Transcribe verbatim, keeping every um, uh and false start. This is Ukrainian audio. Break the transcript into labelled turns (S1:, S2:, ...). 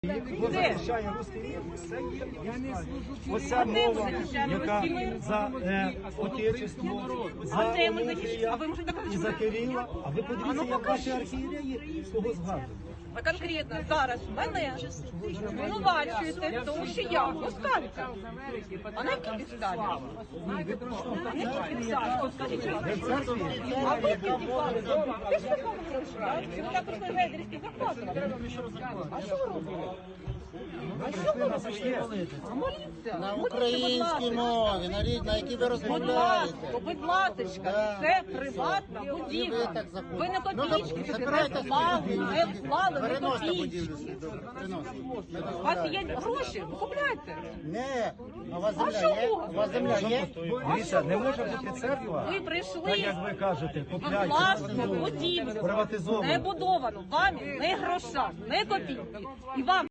S1: Хто захищає русський мір, це є оця мова, яка за е, отечество, за Онуфрія і за Кирила. А ви подивіться, як ваші архієреї кого згадують.
S2: А конкретно зараз мене звинувачуєте, тому що я москалька. А на якій підставі? А на якій підставі? От скажіть, що а ви які підстави? Ти ж такого пройшла? Чи ви так прийшли гейдерські зарплати? А що ви робите? А що ви робите? А моліться.
S3: На українській мові, на рідній, на якій ви розмовляєте.
S2: Будь ласка, це приватна будівля. Ви не копійки сюди не вклали, не вклали, не
S3: Переносите
S2: копійки.
S3: будівлю сюди. Переносите.
S2: У вас є гроші, ви купляйте.
S3: Не, а у вас
S2: А
S3: земля є?
S2: чого?
S3: У вас земля є?
S1: Дивіться, не може бути церква,
S2: Ви
S1: так
S2: прийшли
S1: як ви кажете,
S2: в
S1: купляйте
S2: власну будівлю,
S1: приватизовану.
S2: не будовану, вами не гроша, не копійки. І вам